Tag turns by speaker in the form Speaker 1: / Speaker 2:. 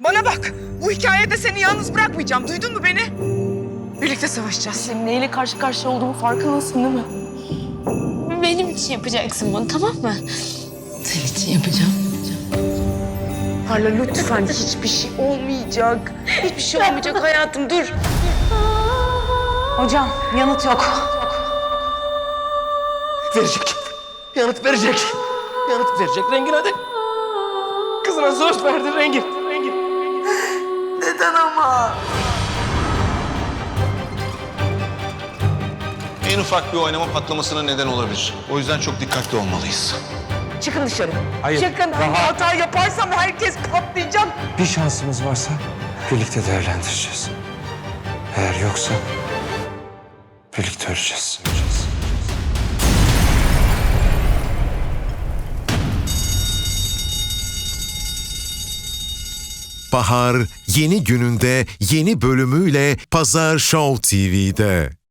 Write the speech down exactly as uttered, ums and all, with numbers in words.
Speaker 1: Bana bak, bu hikayede seni yalnız bırakmayacağım. Duydun mu beni? Birlikte savaşacağız.
Speaker 2: Senin neyle karşı karşıya olduğumu farkındasın değil mi?
Speaker 3: Benim için yapacaksın bunu, tamam mı?
Speaker 2: Senin için yapacağım.
Speaker 1: Parla lütfen, hiçbir şey olmayacak. Hiçbir şey olmayacak hayatım, dur.
Speaker 2: Hocam yanıt yok.
Speaker 4: Verecek. Yanıt verecek. Yanıt verecek Rengin, hadi. Kızına söz verdi Rengin. Rengin.
Speaker 1: Neden ama?
Speaker 5: En ufak bir oynama patlamasına neden olabilir. O yüzden çok dikkatli olmalıyız.
Speaker 1: Çıkın dışarı.
Speaker 4: Hayır.
Speaker 1: Çıkın. Hangi hata yaparsam herkes patlayacak.
Speaker 6: Bir şansımız varsa birlikte değerlendireceğiz. Eğer yoksa birlikte öleceğiz. öleceğiz.
Speaker 7: Bahar yeni gününde yeni bölümüyle Pazar Show T V'de.